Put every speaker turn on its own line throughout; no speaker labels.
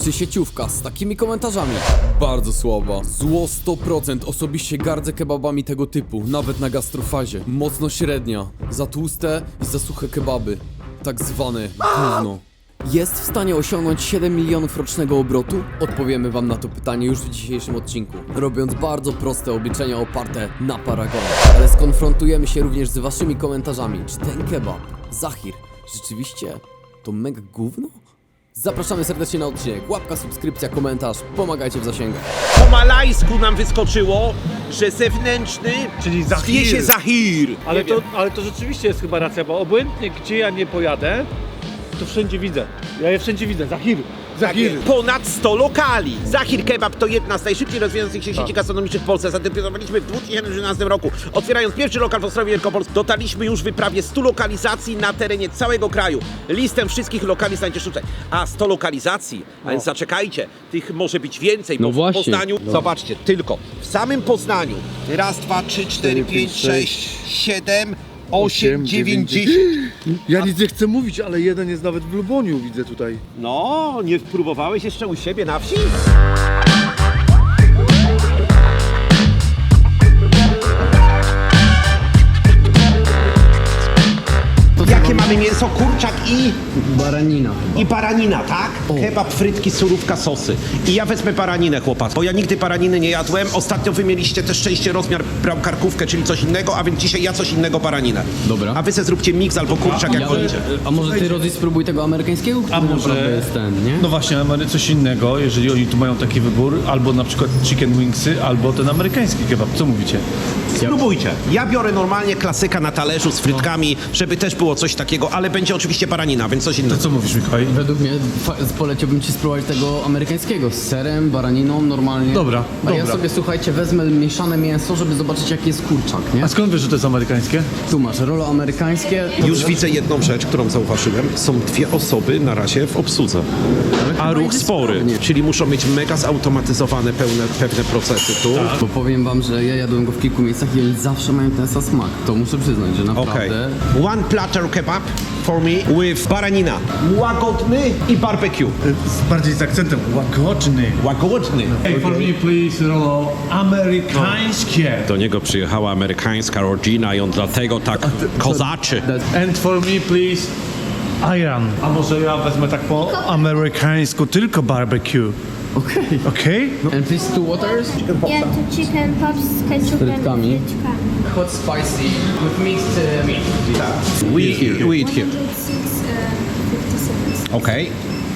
czy sieciówka z takimi komentarzami? Bardzo słaba. Zło 100%. Osobiście gardzę kebabami tego typu, nawet na gastrofazie. Mocno średnia. Za tłuste i za suche kebaby. Tak zwane gówno. Jest w stanie osiągnąć 7 milionów rocznego obrotu? Odpowiemy wam na to pytanie już w dzisiejszym odcinku, robiąc bardzo proste obliczenia oparte na paragonach. Ale skonfrontujemy się również z waszymi komentarzami. Czy ten kebab, Zahir, rzeczywiście to mega gówno? Zapraszamy serdecznie na odcinek. Łapka, subskrypcja, komentarz. Pomagajcie w zasięgach.
Po malajsku nam wyskoczyło, że zewnętrzny
Czyli Zahir.
zwie się Zahir.
Ale to rzeczywiście jest chyba racja, bo obojętnie gdzie ja nie pojadę, to wszędzie widzę. Ja je wszędzie widzę. Zahir. Zahir.
Ponad 100 lokali. Zahir Kebab to jedna z najszybciej rozwijających się sieci gastronomicznych w Polsce. Zadebiutowaliśmy w 2013 roku. Otwierając pierwszy lokal w Ostrowie Wielkopolskim, dotarliśmy już w prawie 100 lokalizacji na terenie całego kraju. Listę wszystkich lokali znajdziesz tutaj. A 100 lokalizacji, a więc zaczekajcie, tych może być więcej, bo
właśnie.
w Poznaniu, zobaczcie, tylko w samym Poznaniu raz, dwa, trzy, cztery, pięć, sześć, 7, 8, 9, 10.
Ja nic nie chcę mówić, ale jeden jest nawet w Luboniu, widzę tutaj.
No, nie próbowałeś jeszcze u siebie na wsi? Jakie mamy mięso? Kurczak i
Baranina.
baranina, tak? Kebab, frytki, surówka, sosy. I ja wezmę baraninę, chłopak, bo ja nigdy baraniny nie jadłem. Ostatnio wy mieliście też szczęście, rozmiar brał karkówkę, czyli coś innego, a więc dzisiaj ja coś innego baraninę.
Dobra.
A wy se zróbcie miks albo kurczak, jak wolicie.
A może ty, Rodzi, spróbuj tego amerykańskiego, który naprawdę jest ten, nie?
No właśnie, mamy coś innego, jeżeli oni tu mają taki wybór, albo na przykład chicken wingsy, albo ten amerykański kebab. Co mówicie?
Spróbujcie. Ja biorę normalnie klasyka na talerzu z frytkami, żeby też było coś takiego, ale będzie oczywiście baranina, więc coś
To
innego.
co mówisz, Mikołaj?
Według mnie poleciłbym ci spróbować tego amerykańskiego z serem, baraniną, normalnie.
Dobra,
A ja
dobra.
sobie, słuchajcie, wezmę mieszane mięso, żeby zobaczyć, jaki jest kurczak, nie?
A skąd wiesz, że to jest amerykańskie?
Tu masz rolo amerykańskie.
Już widzę jedną rzecz, którą zauważyłem. Są dwie osoby na razie w obsłudze. A ruch
idzie
spory,
sprawnie.
czyli muszą mieć mega zautomatyzowane pewne procesy tu.
Bo powiem wam, że ja jadłem go w kilku miejscach i oni zawsze mają ten sam smak. To muszę przyznać, że
Okej.
naprawdę...
One platter kebab for me with baranina. Łagodny i barbecue.
Bardziej z akcentem łagodny.
Łagodny.
Hey, for me please, Rolo, amerykańskie.
Do niego przyjechała amerykańska rodzina i on dlatego tak kozaczy.
And for me please, Iran. A może ja wezmę tak po amerykańsku, tylko barbecue.
Okej.
Okej?
And please two waters.
Yeah, to chicken pops z ketchupem
Frytkami.
i frytkami.
Hot spicy with mixed meat.
We eat here.
106, 57.
Okej.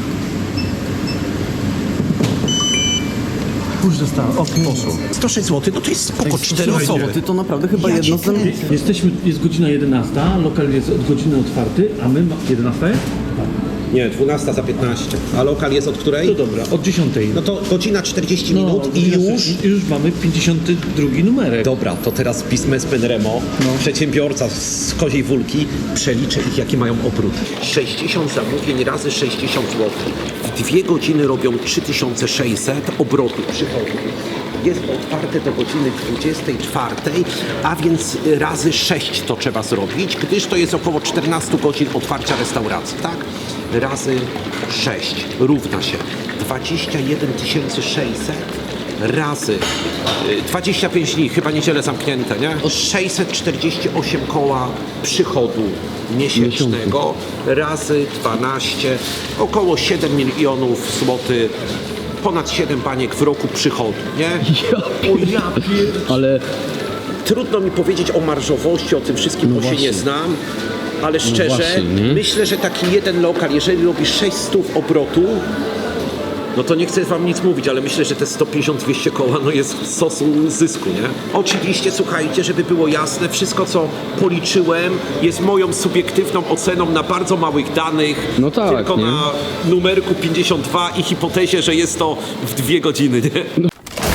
Już dostałem, poszło.
106 zł, no to jest spoko, 4 osoby.
Ty to naprawdę chyba jedno z...
Jest godzina 11, lokal jest od godziny otwarty, a my 11?
Nie, 12 za 15. A lokal jest od której?
To dobra, od 10.
No to godzina 40 minut i już...
mamy 52 numerek.
Dobra, to teraz biznesmen Remo, przedsiębiorca z Koziej Wólki, przeliczę ich, jaki mają obrót. 60 zamówień razy 60 zł. W 2 godziny robią 3600 obrotów przychodu. Jest otwarte do godziny 24, a więc razy 6 to trzeba zrobić, gdyż to jest około 14 godzin otwarcia restauracji, tak? Razy 6 równa się 21 600 razy 25 dni, chyba niedzielę zamknięte, nie? 648 koła przychodu miesięcznego razy 12, około 7 milionów złotych, ponad 7 baniek w roku przychodu, nie?
Ale...
Trudno mi powiedzieć o marżowości, o tym wszystkim, bo się nie znam, ale szczerze,
właśnie, nie?
myślę, że taki jeden lokal, jeżeli robi 600 obrotu, no to nie chcę wam nic mówić, ale myślę, że te 150-200 koła no jest sosu zysku, nie? Oczywiście, słuchajcie, żeby było jasne, wszystko co policzyłem jest moją subiektywną oceną na bardzo małych danych,
No tak,
tylko
nie?
na numerku 52 i hipotezie, że jest to w 2 godziny, nie?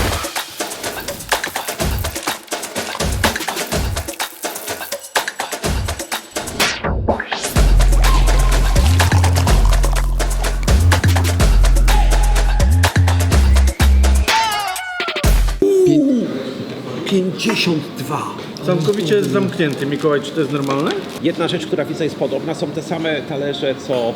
Pię-
52.
Całkowicie jest zamknięty. Mikołaj, czy to jest normalne?
Jedna rzecz, która widzę jest podobna, są te same talerze co w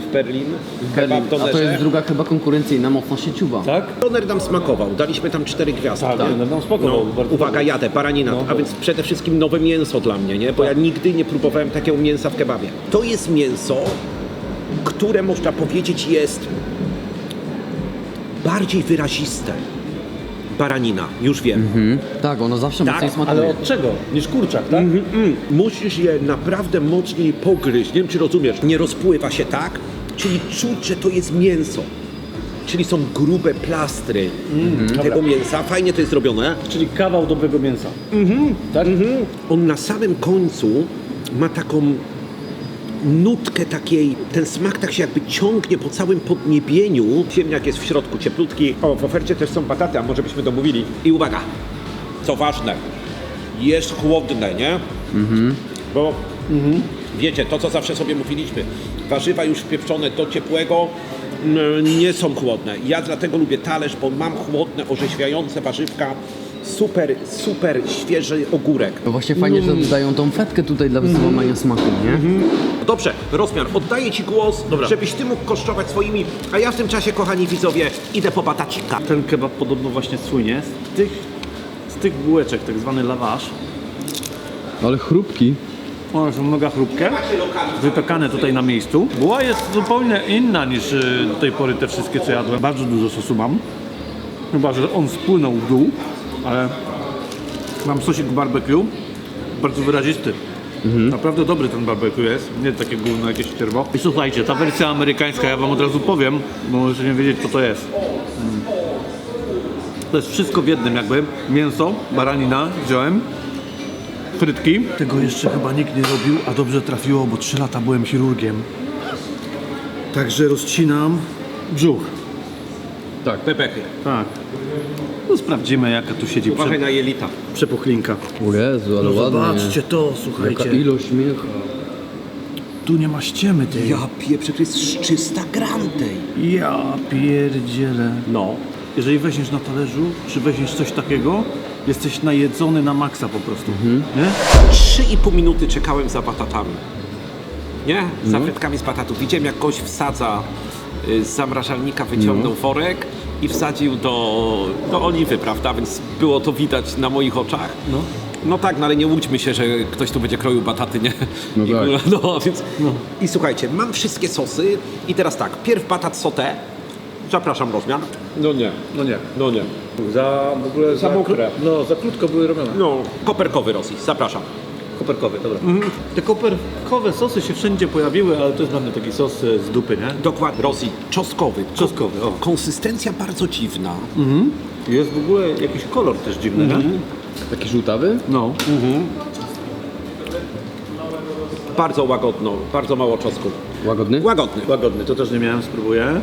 Berlin.
Berlin.
Kebab
A to
donerze.
jest druga chyba konkurencyjna, mocno sieciowa.
Tak?
Doner nam smakował, daliśmy tam 4 gwiazdki.
Tak, no spoko.
No,
bardzo
uwaga,
dobry.
jadę, baranina, a więc przede wszystkim nowe mięso dla mnie, nie? Bo ja nigdy nie próbowałem takiego mięsa w kebabie. To jest mięso, które można powiedzieć jest bardziej wyraziste. Baranina, już wiem.
Tak, ono zawsze
Tak,
mocniej smakuje.
Ale od czego? Niż kurczak, tak?
Musisz je naprawdę mocniej pogryźć, nie wiem czy rozumiesz. Nie rozpływa się tak, czyli czuć, że to jest mięso. Czyli są grube plastry tego mięsa. Fajnie to jest zrobione.
Czyli kawał dobrego mięsa. Tak?
On na samym końcu ma taką nutkę takiej, ten smak tak się jakby ciągnie po całym podniebieniu. Ziemniak jest w środku cieplutki. O, w ofercie też są bataty, a może byśmy domówili. I uwaga, co ważne, jest chłodne, nie? Bo wiecie, to co zawsze sobie mówiliśmy, warzywa już wpieprzone do ciepłego nie są chłodne. Ja dlatego lubię talerz, bo mam chłodne, orzeźwiające warzywka. Super, super świeży ogórek.
No właśnie fajnie, że dodają tą fetkę tutaj dla złamania smaku, nie?
Dobrze, rozmiar, oddaję Ci głos, żebyś Ty mógł kosztować swoimi, a ja w tym czasie, kochani widzowie, idę po batacika.
Ten kebab podobno właśnie słynie z tych bułeczek, tak zwany lawasz.
Ale chrupki.
One są mega chrupkie, wypekane tutaj na miejscu. Buła jest zupełnie inna niż do tej pory te wszystkie, co jadłem. Bardzo dużo sosu mam. Chyba, że on spłynął w dół, ale mam sosik barbecue, bardzo wyrazisty. Naprawdę dobry ten barbecue jest, nie takie gówno jakieś cierwo. I słuchajcie, ta wersja amerykańska, ja wam od razu powiem, bo możecie nie wiedzieć, co to jest. To jest wszystko w jednym jakby. Mięso, baranina wziąłem, frytki. Tego jeszcze chyba nikt nie robił, a dobrze trafiło, bo 3 lata byłem chirurgiem. Także rozcinam brzuch.
Pepechy.
Tak. No sprawdzimy, jaka tu siedzi
Uważaj na jelita.
przepuchlinka.
O Jezu, ale ładnie.
Zobaczcie to,
Jaka
słuchajcie.
ilość mięcha.
Tu nie ma ściemy tej.
Ja pieprzę, to jest 300 gram tej.
Ja pierdzielę.
No.
Jeżeli weźmiesz na talerzu, czy weźmiesz coś takiego, jesteś najedzony na maksa po prostu. Nie?
3,5 minuty czekałem za batatami. Nie? Za frytkami z batatów. Widziałem, jak gość wsadza z zamrażalnika, wyciągnął worek i wsadził do oliwy, prawda? Więc było to widać na moich oczach. No tak, no ale nie łudźmy się, że ktoś tu będzie kroił bataty, nie?
No
I,
tak.
no, więc... I słuchajcie, mam wszystkie sosy i teraz tak, pierw batat sauté. Zapraszam, rozmiar.
No nie.
No nie.
Za w ogóle
Za mokre.
No, za krótko były robione.
No, koperkowy Rosji, zapraszam.
Koperkowy, dobra. Te koperkowe sosy się wszędzie pojawiły, ale to jest dla mnie taki sos z dupy, nie?
Dokładnie. Rosji, czosnkowy.
Czosnkowy, o.
Konsystencja bardzo dziwna.
Jest w ogóle jakiś kolor też dziwny, nie?
Taki żółtawy?
No.
Bardzo łagodno, bardzo mało czosnku.
Łagodny?
Łagodny.
Łagodny, to też nie miałem, spróbuję.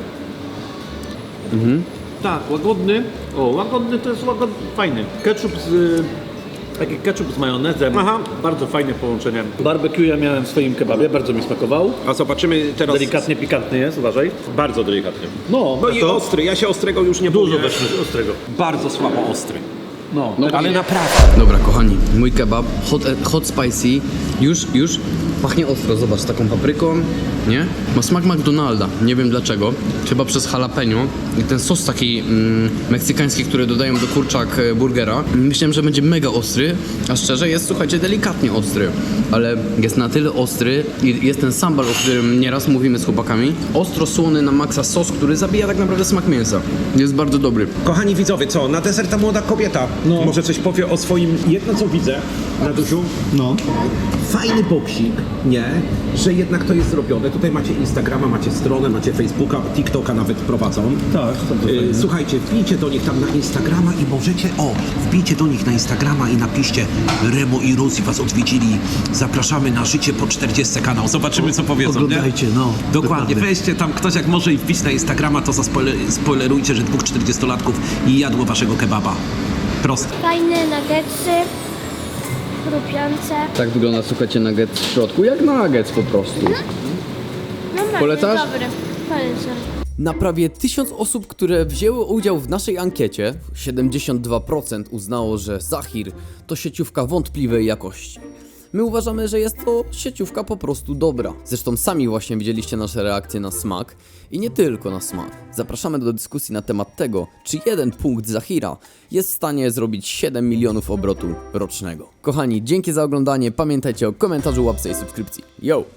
Tak, łagodny. O, łagodny to jest łagodny, fajny. Ketchup taki ketchup z majonezem.
Aha.
Bardzo fajne połączenie. Barbecue ja miałem w swoim kebabie, bardzo mi smakował.
A zobaczymy teraz...
Delikatnie pikantny jest, uważaj.
Bardzo delikatny.
No,
No i
to
ostry, ja się ostrego już nie
dużo
boję.
weszło ostrego.
Bardzo słabo ostry.
No,
Ale naprawdę.
Dobra, kochani, mój kebab, hot spicy, już pachnie ostro, zobacz, taką papryką, nie? Ma smak McDonalda, nie wiem dlaczego, chyba przez jalapeno i ten sos taki meksykański, który dodają do kurczak burgera. Myślałem, że będzie mega ostry, a szczerze jest, słuchajcie, delikatnie ostry, ale jest na tyle ostry i jest ten sambal, o którym nieraz mówimy z chłopakami, ostro słony na maksa sos, który zabija tak naprawdę smak mięsa. Jest bardzo dobry.
Kochani widzowie, co? Na deser ta młoda kobieta może coś powie o swoim... Jedno co widzę, Radusiu, fajny boksik, nie? Że jednak to jest zrobione. Tutaj macie Instagrama, macie stronę, macie Facebooka, TikToka nawet prowadzą.
tak.
Słuchajcie, wbijcie do nich tam na Instagrama i możecie, wbijcie do nich na Instagrama i napiszcie Remo i Rosie was odwiedzili. Zapraszamy na Życie po 40 kanał. Zobaczymy co powiedzą,
Oglądajcie,
nie?
no.
Dokładnie,
Dokładnie.
weźcie tam ktoś jak może i wbić na Instagrama, to spoilerujcie, że 2 40-latków jadło waszego kebaba. Proste.
Fajne nuggetsy, chrupiące.
Tak wygląda, słuchajcie, nugget w środku, jak nuggets po prostu.
Normalnie,
Polecasz?
Dobry, polecam.
Na prawie 1000 osób, które wzięły udział w naszej ankiecie, 72% uznało, że Zahir to sieciówka wątpliwej jakości. My uważamy, że jest to sieciówka po prostu dobra. Zresztą sami właśnie widzieliście nasze reakcje na smak i nie tylko na smak. Zapraszamy do dyskusji na temat tego, czy jeden punkt Zahira jest w stanie zrobić 7 milionów obrotu rocznego. Kochani, dzięki za oglądanie, pamiętajcie o komentarzu, łapce i subskrypcji. Yo!